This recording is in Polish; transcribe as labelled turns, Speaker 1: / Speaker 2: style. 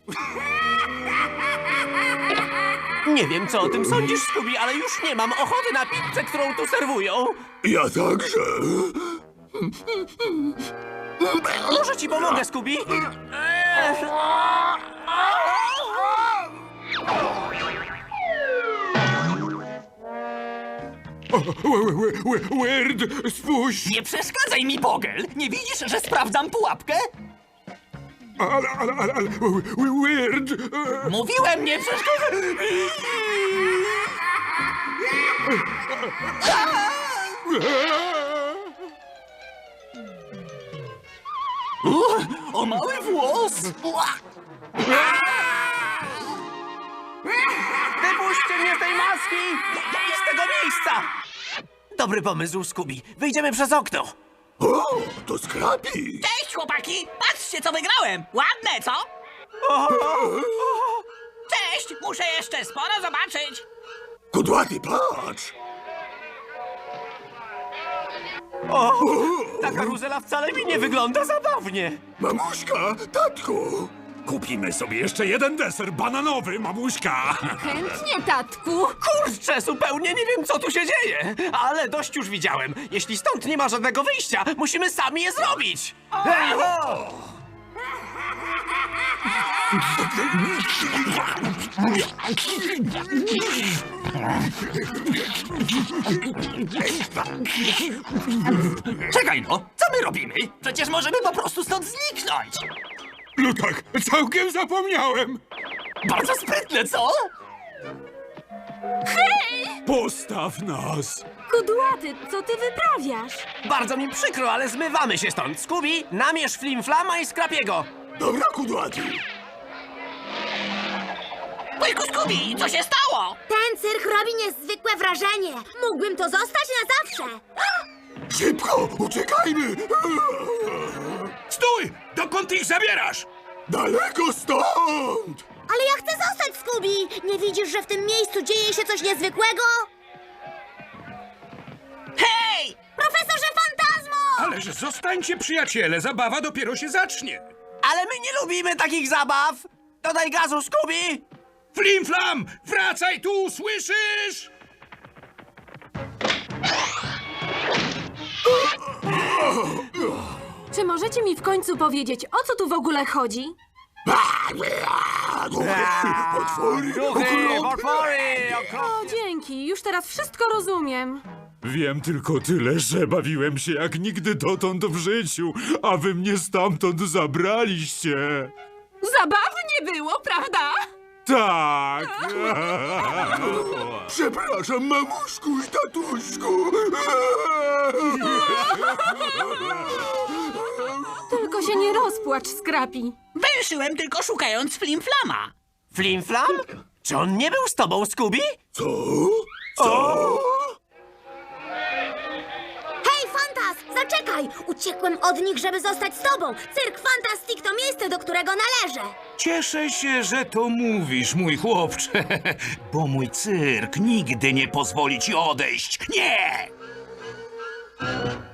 Speaker 1: Nie wiem, co o tym sądzisz, Scooby, ale już nie mam ochoty na pizzę, którą tu serwują.
Speaker 2: Ja także.
Speaker 1: Może ci pomogę, Scooby?
Speaker 2: Weird, spójrz!
Speaker 1: Nie przeszkadzaj mi, Bogel! Nie widzisz, że sprawdzam pułapkę?
Speaker 2: Ale, Weird!
Speaker 1: Mówiłem, nie przeszkadzaj! O mały włos! Wypuśćcie mnie z tej maski! I z tego miejsca! Dobry pomysł, Scooby. Wyjdziemy przez okno.
Speaker 2: O, to Scrappy!
Speaker 3: Cześć, chłopaki! Patrzcie, co wygrałem! Ładne, co? Cześć! Muszę jeszcze sporo zobaczyć!
Speaker 2: Kudłaty, patrz!
Speaker 1: Ta karuzela wcale mi nie wygląda zabawnie.
Speaker 2: Mamuśka, tatku!
Speaker 4: Kupimy sobie jeszcze jeden deser bananowy, mamuśka.
Speaker 5: Chętnie, tatku.
Speaker 1: Kurczę, zupełnie nie wiem, co tu się dzieje. Ale dość już widziałem. Jeśli stąd nie ma żadnego wyjścia, musimy sami je zrobić. Czekaj no, co my robimy? Przecież możemy po prostu stąd zniknąć.
Speaker 2: No tak, całkiem zapomniałem!
Speaker 1: Bardzo sprytne, co?
Speaker 4: Postaw nas.
Speaker 5: Kudłaty, co ty wyprawiasz?
Speaker 1: Bardzo mi przykro, ale zmywamy się stąd. Scooby, namierz Flimflama i Scrapiego.
Speaker 2: Dobra, Kudłaty!
Speaker 3: Wujku Scooby, co się stało?
Speaker 6: Ten cyrk robi niezwykłe wrażenie. Mógłbym to zostać na zawsze.
Speaker 2: Szybko, uciekajmy!
Speaker 4: Stój! Dokąd ich zabierasz?
Speaker 2: Daleko stąd!
Speaker 6: Ale ja chcę zostać, Scooby. Nie widzisz, że w tym miejscu dzieje się coś niezwykłego?
Speaker 3: Hej!
Speaker 6: Profesorze Fantazmo!
Speaker 4: Ależ zostańcie, przyjaciele, zabawa dopiero się zacznie.
Speaker 1: Ale my nie lubimy takich zabaw. Dodaj gazu, Scooby.
Speaker 4: Flimflam, wracaj tu, słyszysz?
Speaker 5: Czy możecie mi w końcu powiedzieć, o co tu w ogóle chodzi?
Speaker 2: Potwory!
Speaker 1: potwory!
Speaker 5: O, dzięki, już teraz wszystko rozumiem.
Speaker 4: Wiem tylko tyle, że bawiłem się jak nigdy dotąd w życiu, a wy mnie stamtąd zabraliście.
Speaker 5: Zabawnie było, prawda?
Speaker 4: Tak.
Speaker 2: Przepraszam, mamuszku i tatuśku!
Speaker 5: Tylko się nie rozpłacz, Scrappy.
Speaker 3: Węszyłem tylko szukając Flimflama.
Speaker 1: Flimflam? Czy on nie był z tobą, Scooby?
Speaker 2: Co? Co?
Speaker 6: Hej, Fantas, zaczekaj! Uciekłem od nich, żeby zostać z tobą. Cyrk Fantastic to miejsce, do którego należę.
Speaker 7: Cieszę się, że to mówisz, mój chłopcze, bo mój cyrk nigdy nie pozwoli ci odejść. Nie!